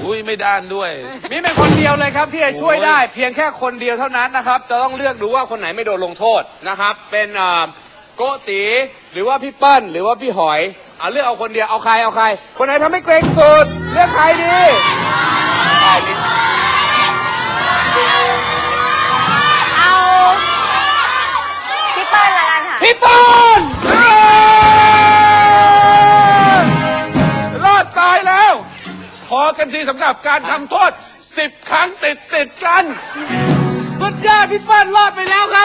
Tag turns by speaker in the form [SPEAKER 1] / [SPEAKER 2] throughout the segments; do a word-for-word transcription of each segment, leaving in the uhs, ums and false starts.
[SPEAKER 1] อุ้ยไม่ด้านด้วย
[SPEAKER 2] มีเป็นคนเดียวเลยครับที่จะช่วยได้เพียงแค่คนเดียวเท่านั้นนะครับจะต้องเลือกดูว่าคนไหนไม่โดนลงโทษนะครับเป็นโกติหรือว่าพี่เปิ้ลหรือว่าพี่หอยเอาเลือกเอาคนเดียวเอาใครเอาใครคนไหนทำให้เกรงสุดเลือกใครดี
[SPEAKER 3] เอาพี่เปิ้ลละกันค่ะ
[SPEAKER 2] พี่เปิ้ลรอดตายแล้วพอกันทีสำหรับการทำโทษสิบครั้งติดติดกันสุดยอดพี่เปิ้ลรอดไปแล้วครับ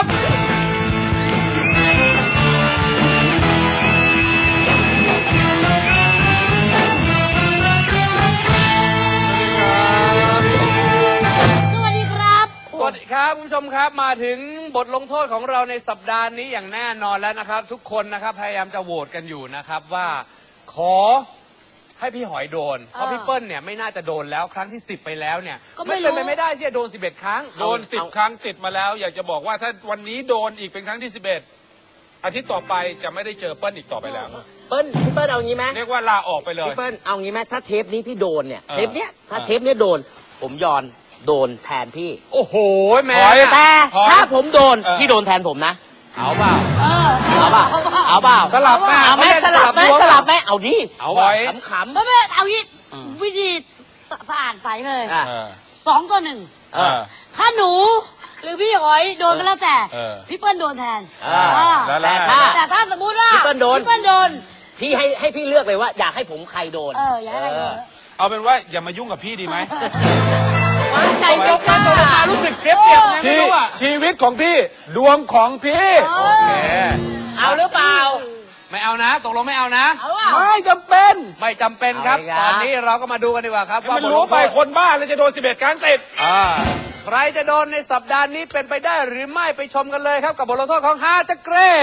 [SPEAKER 3] สวัสดีครับ
[SPEAKER 2] สวัสดีครับคุณผู้ชมครับมาถึงบทลงโทษของเราในสัปดาห์นี้อย่างแน่นอนแล้วนะครับทุกคนนะครับพยายามจะโหวตกันอยู่นะครับว่าขอให้พี่หอยโดนเพราะพี่เปิ้ลเนี่ยไม่น่าจะโดนแล้วครั้งที่สิบไปแล้วเนี่ยไม่เป็นไปไม่ได้ที่จะโดนสิบเอ็ดครั้ง
[SPEAKER 1] โดนสิบครั้งติดมาแล้วอยากจะบอกว่าถ้าวันนี้โดนอีกเป็นครั้งที่สิบเอ็ดอาทิตย์ต่อไปจะไม่ได้เจอเปิ้ลอีกต่อไปแล้ว
[SPEAKER 4] เปิ้ลพี่เปิ้ลเอางี้ไหม
[SPEAKER 1] เรียกว่าลาออกไปเลย
[SPEAKER 4] พี่เปิ้ลเอางี้ไหมถ้าเทปนี้พี่โดนเนี่ยเทปเนี้ยถ้าเทปนี้โดนผมยอนโดนแทนพี่
[SPEAKER 2] โอ้โหแม่
[SPEAKER 4] แต่ถ้าผมโดนพี่โดนแทนผมนะเอาเปล่าเอาเปล่าเอาเปล่า
[SPEAKER 2] สลับแม่
[SPEAKER 4] เอาไหมสลับไหมสลับไหมเอาดิ
[SPEAKER 2] เอาไว้
[SPEAKER 3] ขำๆไม่ไม่เอาวิวิธีสะอาดใสเลยสองต่อหนึ่งถ้าหนูหรือพี่หอยโดนก็แล้วแต่พี่เปิ้ลโดนแทน
[SPEAKER 4] แต่ถ้า
[SPEAKER 3] แต่ถ้าสมมติว่า
[SPEAKER 4] พี่เปิ้ลโดน
[SPEAKER 3] พี่เปิ้ลโดน
[SPEAKER 4] พี่ให้ให้พี่เลือกเลยว่าอยากให้ผมใครโดน
[SPEAKER 3] เอออยากให้ใครโดน
[SPEAKER 1] เอาเป็นว่าอย่ามายุ่งกับพี่ดีไหม
[SPEAKER 4] ใจยกกัน
[SPEAKER 2] มารู้สึกเสียเปรียบไงไม่รู้อ่ะชีวิตของพี่ดวงของพี่โอเค
[SPEAKER 4] เอาหรือเปล่า
[SPEAKER 2] ไม่เอานะตกลงไม่เอานะ
[SPEAKER 4] ไม่จำเป็น
[SPEAKER 2] ไม่จำเป็นครับตอนนี้เราก็มาดูกันดีกว่าครับว่า
[SPEAKER 1] มันรู้ไปคนบ้าเลยจะโดนสิบเอ็ดครั้งติด
[SPEAKER 2] ใครจะโดนในสัปดาห์นี้เป็นไปได้หรือไม่ไปชมกันเลยครับกับบทลงโทษของฮาจักรเร่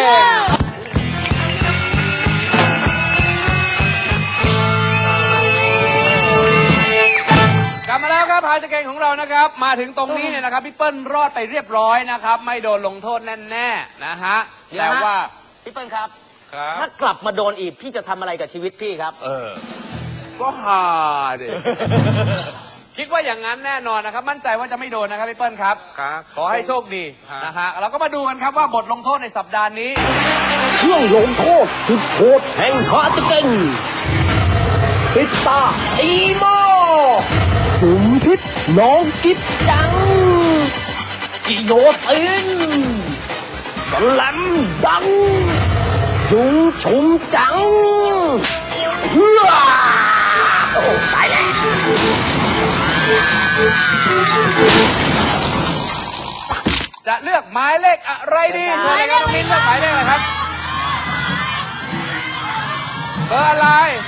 [SPEAKER 2] กลับมาแล้วครับฮาจักรเร่ของเรานะครับมาถึงตรงนี้เนี่ยนะครับพี่เปิ้ลรอดไปเรียบร้อยนะครับไม่โดนลงโทษแน่ๆนะฮะแต่ว่า
[SPEAKER 4] พี่เปิ้ลครับถ้ากลับมาโดนอีกพี่จะทำอะไรกับชีวิตพี่ครับ
[SPEAKER 2] เออก็ฮาดิคิดว่าอย่างนั้นแน่นอนนะครับมั่นใจว่าจะไม่โดนนะครับพี่เปิ้ลครับขอให้โชคดีนะฮะเราก็มาดูกันครับว่าบทลงโทษในสัปดาห์นี้
[SPEAKER 5] เครื่องลงโทษสุดโหดแห่งฮาจักรเร่ปิดตาอีโมจุ่มพิษน้องกิ๊บจังกิโยตินสลัมดังยุงชุมจังเฮ้อโอ้ตายแล้ว
[SPEAKER 2] จะเลือกหมายเลขอะไรดีเชิญเลยครับน้องมิ้นเลือกหมายเลขอะไรครับเบอร์อะไร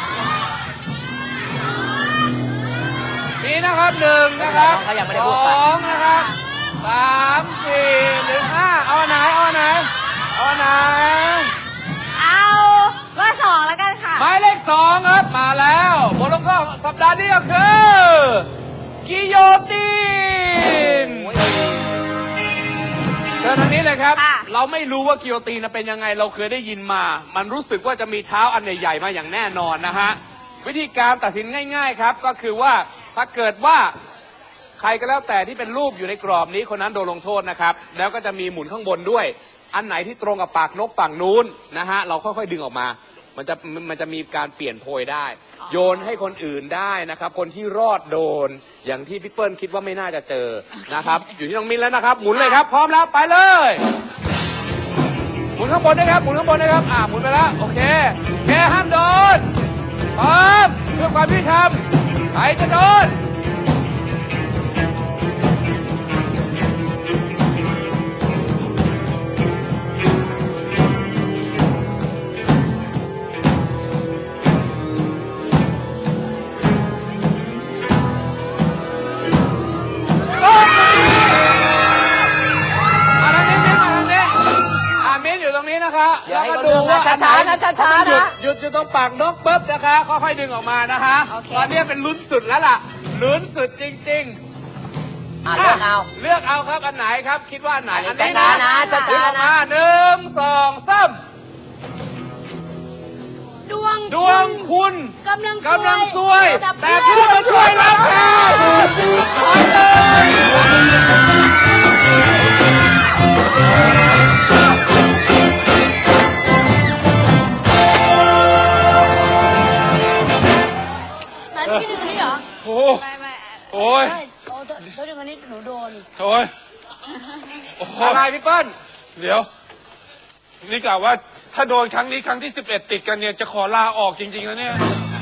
[SPEAKER 2] มีนะครับหนึ่งนะครับสองนะครับสามสี่หรือห้าเอาไหนเอาไหนเอาไหน
[SPEAKER 3] เอาเบอร์สองแล้วกันค่ะ
[SPEAKER 2] หมายเลขสองครับมาแล้วบทลงโทษสัปดาห์นี้ก็คือกิโยตินเชิญทางนี้เลยครับเราไม่รู้ว่ากิโยตินเป็นยังไงเราเคยได้ยินมามันรู้สึกว่าจะมีเท้าอันใหญ่ๆมาอย่างแน่นอนนะฮะวิธีการตัดสินง่ายๆครับก็คือว่าถ้าเกิดว่าใครก็แล้วแต่ที่เป็นรูปอยู่ในกรอบนี้คนนั้นโดนลงโทษนะครับแล้วก็จะมีหมุนข้างบนด้วยอันไหนที่ตรงกับปากนกฝั่งนู้นนะฮะเราค่อยๆดึงออกมามันจะมันจะมีการเปลี่ยนโพยได้โยนให้คนอื่นได้นะครับคนที่รอดโดนอย่างที่พี่เปิ้ลคิดว่าไม่น่าจะเจอนะครับอยู่ที่น้องมิ้นแล้วนะครับหมุนเลยครับพร้อมแล้วไปเลยหมุนข้างบนนะครับหมุนข้างบนนะครับอ่าหมุนไปแล้วโอเคแกห้ามโดนพร้อมเพื่อความยุติธรรมใครจะโดนแล้วมาดูว่าช้าๆนะช้าๆนะหยุดอยู่ตรงปากนกปุ๊บนะคะค่อยๆดึงออกมานะคะตอนนี้เป็นลุ้นสุดแล้วล่ะลุ้นสุดจริงๆ
[SPEAKER 4] เลือกเอา
[SPEAKER 2] เลือกเอาครับอันไหนครับคิดว่าอันไหนอันนี้
[SPEAKER 4] นะนะช้าๆนะ
[SPEAKER 2] หนึ่งสองสาม
[SPEAKER 3] ดวง
[SPEAKER 2] ดวงคุณ
[SPEAKER 3] กำลัง
[SPEAKER 2] กำลังซวยแต่เพื่อนมาช่วยเราค่ะ
[SPEAKER 3] เหรอ
[SPEAKER 1] โอ้
[SPEAKER 3] ไม่ไม่
[SPEAKER 1] โอ้ย
[SPEAKER 3] โอ้ตัวตัวเรื่องนี้หนูโดน
[SPEAKER 1] โอ้ยโอ้ย
[SPEAKER 2] อะไรพี่เปิ้ล
[SPEAKER 1] เดี๋ยว นี่กล่าวว่าถ้าโดนครั้งนี้ครั้งที่สิบเอ็ดติดกันเนี่ยจะขอลาออกจริงๆแล้วเนี่ย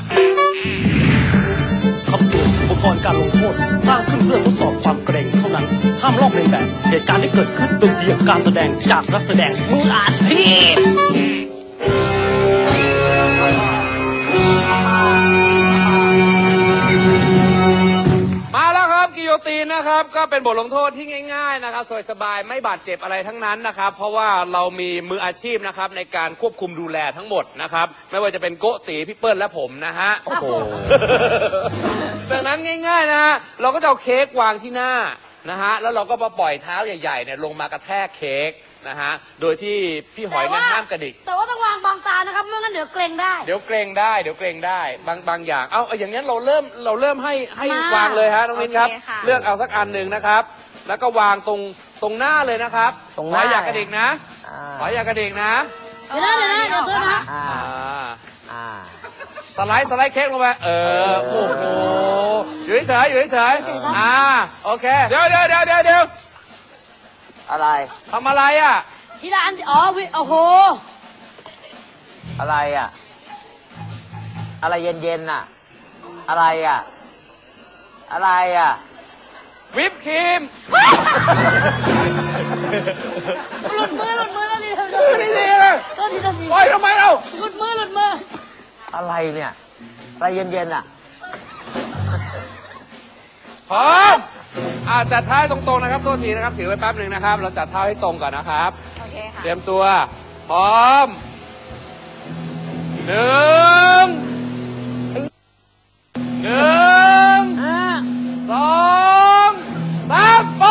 [SPEAKER 5] คำเตือนอุปกรณ์การลงโทษสร้างขึ้นเพื่อทดสอบความเกรงเท่านั้น ห้ามลอกเลียนแบบ เหตุการณ์ที่เกิดขึ้นเป็นเพียงการแสดงจากนักแสดงมืออาชีพ
[SPEAKER 2] มาแล้วครับกิโยตินนะครับก็เป็นบทลงโทษที่ง่ายๆนะครับสบายๆไม่บาดเจ็บอะไรทั้งนั้นนะครับเพราะว่าเรามีมืออาชีพนะครับในการควบคุมดูแลทั้งหมดนะครับไม่ว่าจะเป็นโกตีพี่เปิ้ลและผมนะฮะ
[SPEAKER 3] โอ้โห
[SPEAKER 2] ดังนั้นง่ายๆนะฮะเราก็จะเอาเค้กวางที่หน้านะฮะแล้วเราก็มาปล่อยเท้าใหญ่ๆเนี่ยลงมากระแทกเค้กนะฮะโดยที่พี่หอยเนี่ยห้ามกระดิก
[SPEAKER 3] แต่ว่าต้องวางบางตานะครับไม่งั้นเดี๋ยวเกรงได้
[SPEAKER 2] เดี๋ยวเกรงได้เดี๋ยวเกรงได้บางบางอย่างเอาเอาอย่างนี้นเราเริ่มเราเริ่มให้ให้
[SPEAKER 3] มาว
[SPEAKER 2] างเลยฮะน้องมินครับ
[SPEAKER 6] โอเคค่ะ
[SPEAKER 2] เลือกเอาสักอันหนึ่งนะครับ แล้วก็วางตรงตรงหน้าเลยนะครับ
[SPEAKER 4] ตรงหน้า
[SPEAKER 2] ขออย่ากระดิกนะ
[SPEAKER 4] อ่า
[SPEAKER 2] ขออย่ากระดิกนะ
[SPEAKER 3] เดี๋ยวนะเดี๋ยวนะเดี๋ยวเพื่อนนะ
[SPEAKER 4] อ่า
[SPEAKER 2] อ่า
[SPEAKER 4] อ่า
[SPEAKER 2] สไลด์สไลด์เค้กลงไปเออโอ้โหอยู่เฉยๆอยู่เฉยๆอ่าโอเค
[SPEAKER 1] เดี๋ยวเดี๋ยวเดี๋ยวเดี๋ยวเดี๋ยว
[SPEAKER 4] อะไร
[SPEAKER 2] ทำอะไรอ่ะ
[SPEAKER 3] ทีละอันอ๋อวิโอ้โห
[SPEAKER 4] อะไรอ่ะ อะไรเย็นๆน่ะ อะไรอ่ะ อะไรอ่ะ
[SPEAKER 2] วิปครีม
[SPEAKER 3] หลุดมือหลุดมือแล้วนี่
[SPEAKER 2] ไม่ดีเลย
[SPEAKER 3] โทษทีโทษที
[SPEAKER 2] ปล่อยทำไมเรา
[SPEAKER 3] หลุดมือหลุดมือ
[SPEAKER 4] อะไรเนี่ย อะไรเย็นๆอ่ะ
[SPEAKER 2] พร้อมอ่าจัดเท้าให้ตรงๆนะครับโทษทีนะครับถือไว้แป๊บหนึ่งนะครับ เราจัดเท้าให้ตรงก่อนนะครับ
[SPEAKER 6] โอเคค่ะ
[SPEAKER 2] เตรียมตัว พร้อมหนึ่งหนึ่งสองสามไป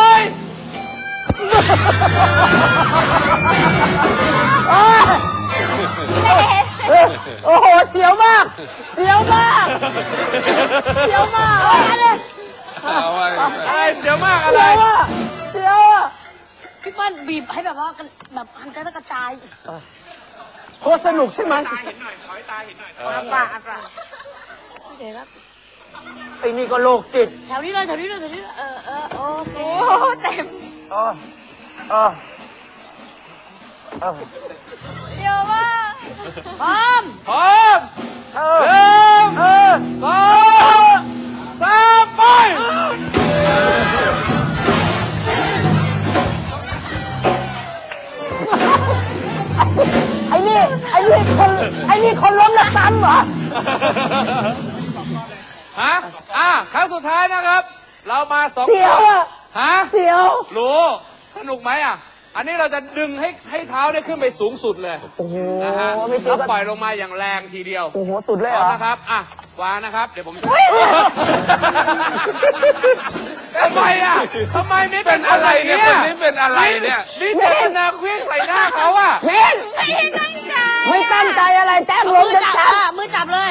[SPEAKER 4] โอ้โห เสียวมาก เสียวมาก เสียวมากอะไร
[SPEAKER 1] เอาไว้
[SPEAKER 2] อะไรเสียวมากอะไร
[SPEAKER 4] เสียวอ่ะ
[SPEAKER 3] พี่เปิ้ลบีบให้แบบว่ากันแบบหันกระจาย
[SPEAKER 4] โคตรสนุกใช่ไหม
[SPEAKER 6] อาปากอาปาก
[SPEAKER 3] โอเคครับ
[SPEAKER 4] ไอ้นี่ก็โรคจิต
[SPEAKER 3] แถวนี้เลยแถวนี้เลยแถวนี้เลยเออเออโอเค
[SPEAKER 6] โอ้เต็ม
[SPEAKER 4] เออเออเออ
[SPEAKER 6] เดี๋ยวว่า
[SPEAKER 3] พร้อม
[SPEAKER 2] พร้อม
[SPEAKER 4] เอ
[SPEAKER 2] ห
[SPEAKER 4] อ
[SPEAKER 2] นึ่ง
[SPEAKER 4] เออ
[SPEAKER 2] สองสามไป
[SPEAKER 4] ไอ้นี่ ไอ้นี่คน ไอ้นี่คนล้มแล้วซ้ำเหรอ
[SPEAKER 2] ฮะอ่ะครั้งสุดท้ายนะครับ เรามาสอง
[SPEAKER 4] เสียวอ่ะ
[SPEAKER 2] ฮะ
[SPEAKER 4] เสียว
[SPEAKER 2] รู้สนุกไหมอ่ะ อันนี้เราจะดึงให้ให้เท้าได้ขึ้นไปสูงสุดเลย
[SPEAKER 4] โอ้โห
[SPEAKER 2] นะฮะ
[SPEAKER 4] ไม่เจ
[SPEAKER 2] แล้
[SPEAKER 4] อ
[SPEAKER 2] ว
[SPEAKER 4] กัน
[SPEAKER 2] ปล่อยลงมาอย่างแรงทีเดียว
[SPEAKER 4] โอ้โห สุดเลย
[SPEAKER 2] พ
[SPEAKER 4] เห
[SPEAKER 2] ร้
[SPEAKER 4] ร
[SPEAKER 2] อม
[SPEAKER 4] อ
[SPEAKER 2] นะครับ อ่ะ วางนะครับ เดี๋ยวผมจะทำไมอ่ะทำไมนี่
[SPEAKER 1] เป็นอะไรเนี่ยคนนี้เป็นอะไรเนี่ย
[SPEAKER 2] นี่เจตนาเคลื่องใส่หน้าเขาอ่ะ
[SPEAKER 4] เมน
[SPEAKER 6] ไม่ได้ตั้งใจ
[SPEAKER 4] ไม่ตั้งใจอะไรแจ้ง
[SPEAKER 3] เอา
[SPEAKER 4] ล้ม
[SPEAKER 3] มือ
[SPEAKER 4] จะ
[SPEAKER 3] จับ
[SPEAKER 4] จับ
[SPEAKER 3] อ่ะมือจับเลย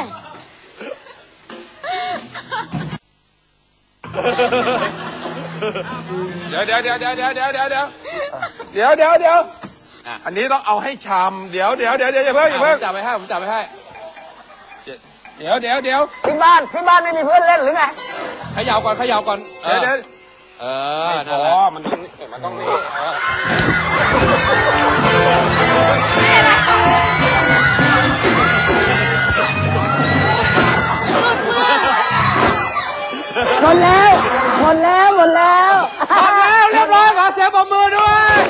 [SPEAKER 1] เดี๋ยวเดี๋ยวเดี๋ยวเดี๋ยวเดี๋ยวเดี๋ยวเดี๋ยวเดี๋ยวเดี๋ยวเดี๋ยวเดี๋ยวอันนี้ต้องเอาให้ชามเดี๋ยวเดี๋ยวเดี๋ยวเดี๋ยวอย่าเพิ่งอย่า
[SPEAKER 2] ผ
[SPEAKER 1] เพิ่ง
[SPEAKER 2] มจับไปให้ ผมจับไปให้
[SPEAKER 1] เดี๋ยวเดี๋ยวเดี๋ยว
[SPEAKER 4] ที่บ้าน ที่บ้านไม่มีเพื่อนเล่นหรือไง
[SPEAKER 2] เขย่าก่อนเขย่าก่อน
[SPEAKER 1] เดี๋ยวเดี๋ยว
[SPEAKER 2] เออ
[SPEAKER 1] ไม่
[SPEAKER 2] นั่
[SPEAKER 1] พ
[SPEAKER 2] น
[SPEAKER 1] อ
[SPEAKER 2] แหละ
[SPEAKER 1] มันต้องมันต้องนี่เออ
[SPEAKER 4] หมดแล้ว หมดแล้ว หมดแล้ว
[SPEAKER 2] หมดแล้วเรียบร้อยขอเสียงปรบมือด้วย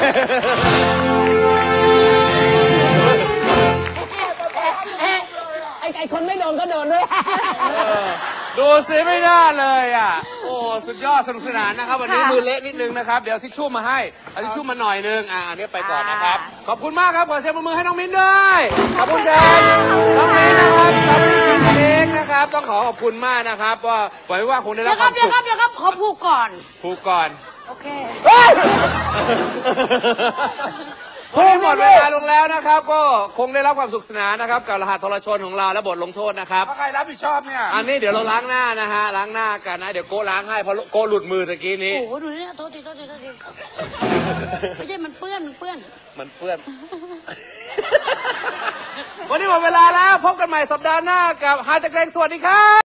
[SPEAKER 4] ไอ้ไอ้คนไม่โดนก็โดนด้วย
[SPEAKER 2] ดูสิไม่น่าเลยอ่ะ โอ้สุดยอดสนุกสนานนะครับ วันนี้มือเละนิดนึงนะครับ เดี๋ยวทิชชู่มาให้เอาทิชชู่มาหน่อยนึง อ่าอันนี้ไปก่อนนะครับ ขอบคุณมากครับ ขอเสียงปรบมือให้น้องมิ้นด้วย ขอบคุณครับน้องมิ้นนะครับน้องมิ้นกินเค้กนะครับ ต้องขอขอบคุณมากนะครับว่าหวังว่าคงได้
[SPEAKER 3] เดี๋
[SPEAKER 2] รั
[SPEAKER 3] ย
[SPEAKER 2] บ
[SPEAKER 3] ว
[SPEAKER 2] ค
[SPEAKER 3] ครั
[SPEAKER 2] วา
[SPEAKER 3] บ
[SPEAKER 2] ม
[SPEAKER 3] เดี๋ยว
[SPEAKER 2] สุ
[SPEAKER 3] ครั
[SPEAKER 2] ข
[SPEAKER 3] บเดี๋ยวครับขอพูดก่อน
[SPEAKER 2] พูดก่อน
[SPEAKER 3] โอเค
[SPEAKER 2] วันนี้หมดเวลาลงแล้วนะครับ ก็คงได้รับความสุขสนานนะครับ กับรหัสทรชนของเราและบทลงโทษนะครับ
[SPEAKER 1] ใครรับผิดชอบเนี่ย
[SPEAKER 2] อันนี้เดี๋ยวเราล้างหน้านะฮะล้างหน้ากันนะ เดี๋ยวโก้ล้างให้เพราะโก้หลุดมือตะกี้นี้
[SPEAKER 3] โอ้โหดูนี่โทษทีโทษทีโทษทีไม่ใช่มันเปื้อนมันเปื้อน
[SPEAKER 2] มันเปื้อน วันนี้หมดเวลาแล้วพบกันใหม่สัปดาห์หน้ากับหาจักรเรงสวัสดีครับ